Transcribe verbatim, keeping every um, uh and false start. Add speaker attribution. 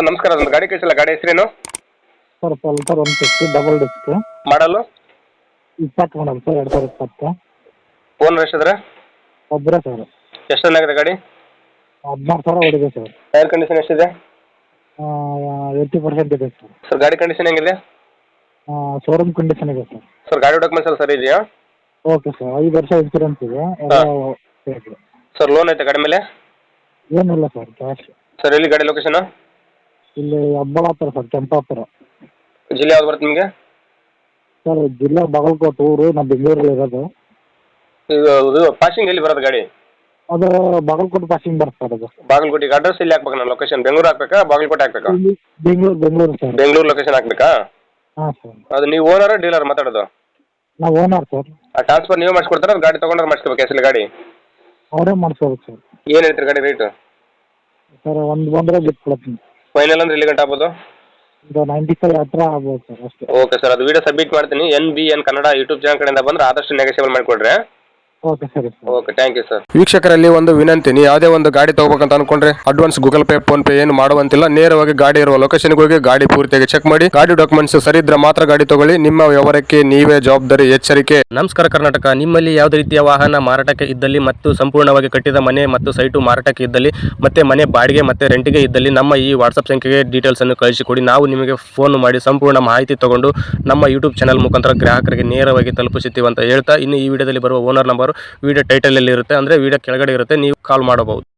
Speaker 1: Sir ನಮಸ್ಕಾರ, ಅದೊಂದು ಗಾಡಿ ಕಳಿಸಿಲ್ಲ, ಗಾಡಿ ಹೆಸರೇನು?
Speaker 2: Sir Pulsar one fifty double disc
Speaker 1: model
Speaker 2: ಇಪ್ಪತ್ತು ಮಾಡಲ್ ಸರ್, ಎರಡು ಸಾವಿರದ ಇಪ್ಪತ್ತು.
Speaker 1: ಓನರ್ ಎಷ್ಟಿದ್ರೆ?
Speaker 2: ಒಬ್ಬರೇ ಸರ್.
Speaker 1: ಎಷ್ಟು ರನ್ ಆಗಿದೆ ಗಾಡಿ?
Speaker 2: ಹದಿನಾರು ಸಾವಿರ ಹೊಡಿದೆ ಸರ್.
Speaker 1: ಟೈರ್ ಕಂಡೀಷನ್ ಎಷ್ಟಿದೆ?
Speaker 2: ಏಯ್ಟಿ ಪರ್ಸೆಂಟ್ ಇದೆ ಸರ್.
Speaker 1: ಸರ್ ಗಾಡಿ ಕಂಡೀಷನ್ ಹೆಂಗಿದೆ?
Speaker 2: ಶೋರೂಮ್ ಕಂಡೀಷನ್ ಇದೆ ಸರ್.
Speaker 1: ಸರ್ ಗಾಡಿ ಡಾಕ್ಯುಮೆಂಟ್ಸ್ ಎಲ್ಲ ಸರಿ ಇದೆಯಾ?
Speaker 2: ಓಕೆ ಸರ್, ಐದು ವರ್ಷ ಇನ್ಸೂರೆನ್ಸ್ ಇದೆ. ಎಲ್ಲ ಇದೆ.
Speaker 1: ಸರ್ ಲೋನ್ ಐತೆ ಗಾಡಿ ಮೇಲೆ?
Speaker 2: ಏನಿಲ್ಲ ಸರ್, ಕ್ಯಾಶ್.
Speaker 1: ಸರ್ ಎಲ್ಲಿ ಗಾಡಿ ಲೊಕೇಶನ್?
Speaker 2: ಇಲ್ಲಿ ಹಬ್ಬಳಾಪುರ ಸರ್, ಕೆಂಪಾಪುರ.
Speaker 1: ಜಿಲ್ಲೆ ಯಾವ್ದು ಬರುತ್ತೆ ನಿಮಗೆ?
Speaker 2: ಸರ್ ಜಿಲ್ಲೆ ಬಾಗಲಕೋಟೆ, ಊರು ನಾವು ಬೆಂಗಳೂರಲ್ಲಿ ಇರೋದು.
Speaker 1: ಇದು ಇದು ಪಾಸಿಂಗ್ ಎಲ್ಲಿ ಬರೋದು ಗಾಡಿ?
Speaker 2: ಅದು ಬಾಗಲಕೋಟೆ ಪಾಸಿಂಗ್ ಬರುತ್ತೆ ಸರ್. ಅದು
Speaker 1: ಬಾಗಲಕೋಟೆಗೆ ಅಡ್ರೆಸ್ ಇಲ್ಲಿ ಹಾಕ್ಬೇಕು, ನಾನು ಲೊಕೇಶನ್ ಬೆಂಗಳೂರು ಹಾಕ್ಬೇಕಾ ಬಾಗಲಕೋಟೆ ಹಾಕ್ಬೇಕಾ?
Speaker 2: ಇಲ್ಲಿ ಬೆಂಗಳೂರು ಬೆಂಗಳೂರು ಸರ್.
Speaker 1: ಬೆಂಗಳೂರು ಲೊಕೇಶನ್ ಹಾಕ್ಬೇಕಾ?
Speaker 2: ಹಾಂ ಸರ್.
Speaker 1: ಅದು ನೀವು ಓನರ್ ಡೀಲರ್ ಮಾತಾಡೋದು?
Speaker 2: ನಾವು ಓನರ್ ಸರ್.
Speaker 1: ಆ ಟ್ರಾನ್ಸ್ಫರ್ ನೀವು ಮಾಡಿಸ್ಕೊಡ್ತಾರೆ, ಗಾಡಿ ತೊಗೊಂಡ್ರೆ ಮಾಡಿಸ್ಕೋಬೇಕು ಹೆಸರು ಗಾಡಿ?
Speaker 2: ಅವರೇ ಮಾಡಿಸ್ಕೋಬೇಕು ಸರ್.
Speaker 1: ಏನು ಹೇಳ್ತೀರಿ ಗಾಡಿ ರೇಟು?
Speaker 2: ಸರ್ ಒಂದು ಬಂದರೆ ಬಿಟ್ಕೊಡ್ತೀನಿ.
Speaker 1: ಫೈನಲ್ ಅಂದ್ರೆ ಎಲ್ಲಿ ಗಂಟೆ ಆಗ್ಬೋದು?
Speaker 2: ಇದು ನೈಂಟಿ ಫೈವ್ ಹತ್ರ ಆಗ್ಬೋದು ಸರ್ ಅಷ್ಟೇ.
Speaker 1: ಓಕೆ ಸರ್, ಅದು ವಿಡಿಯೋ ಸಬ್ಮಿಟ್ ಮಾಡ್ತೀನಿ. N B N Kannada YouTube channel ಕಡೆಯಿಂದ ಬಂದರೆ ಆದಷ್ಟು ನೆಗೆಸಿಬಲ್ ಮಾಡಿಕೊಡ್ರಿ.
Speaker 2: ಓಕೆ ಸರಿ sir.
Speaker 1: Okay, thank you sir. ವೀಕ್ಷಕರಲ್ಲಿ ಒಂದು ವಿನಂತಿ, ನೀವು ಯಾವುದೇ ಒಂದು ಗಾಡಿ ತಗೋಬೇಕಂತ ಅನ್ಕೊಂಡ್ರೆ advance Google Pay PhonePe ಏನು ಮಾಡುವಂತಿಲ್ಲ. ನೇರವಾಗಿ ಗಾಡಿ ಇರುವ ಲೊಕೇಶನ್ಗೆ ಹೋಗಿ ಗಾಡಿ ಪೂರ್ತಿಯಾಗಿ ಚೆಕ್ ಮಾಡಿ, ಗಾಡಿ ಡಾಕ್ಯುಮೆಂಟ್ಸ್ ಸರಿ ಇದ್ರೆ ಮಾತ್ರ ಗಾಡಿ ತಗೊಳ್ಳಿ. ನಿಮ್ಮ ವ್ಯವಹಾರಕ್ಕೆ ನೀವೇ ಜವಾಬ್ದಾರಿ. ಎಚ್ಚರಿಕೆ.
Speaker 3: ನಮಸ್ಕಾರ ಕರ್ನಾಟಕ. ನಿಮ್ಮಲ್ಲಿ ಯಾವುದೇ ರೀತಿಯ ವಾಹನ ಮಾರಾಟಕ್ಕೆ ಇದ್ದಲ್ಲಿ ಮತ್ತು ಸಂಪೂರ್ಣವಾಗಿ ಕಟ್ಟಿದ ಮನೆ ಮತ್ತು ಸೈಟು ಮಾರಾಟಕ್ಕೆ ಇದ್ದಲ್ಲಿ ಮತ್ತೆ ಮನೆ ಬಾಡಿಗೆ ಮತ್ತೆ ರೆಂಟಿಗೆ ಇದ್ದಲ್ಲಿ ನಮ್ಮ ಈ ವಾಟ್ಸಪ್ ಸಂಖ್ಯೆಗೆ ಡೀಟೇಲ್ಸ್ ಅನ್ನು ಕಳಿಸಿಕೊಡಿ. ನಾವು ನಿಮಗೆ ಫೋನ್ ಮಾಡಿ ಸಂಪೂರ್ಣ ಮಾಹಿತಿ ತಗೊಂಡು ನಮ್ಮ ಯೂಟ್ಯೂಬ್ ಚಾನಲ್ ಮುಖಾಂತರ ಗ್ರಾಹಕರಿಗೆ ನೇರವಾಗಿ ತಲುಪಿಸುತ್ತೀವಿ ಅಂತ ಹೇಳ್ತಾ, ಇನ್ನು ಈ ವಿಡಿಯೋದಲ್ಲಿ ಬರುವ ಓನರ್ ನಂಬರ್ ವಿಡಿಯೋ ಟೈಟಲ್ ಅಲ್ಲಿ ಇರುತ್ತೆ, ಅಂದ್ರೆ ವಿಡಿಯೋ ಕೆಳಗಡೆ ಇರುತ್ತೆ, ನೀವು ಕಾಲ್ ಮಾಡಬಹುದು.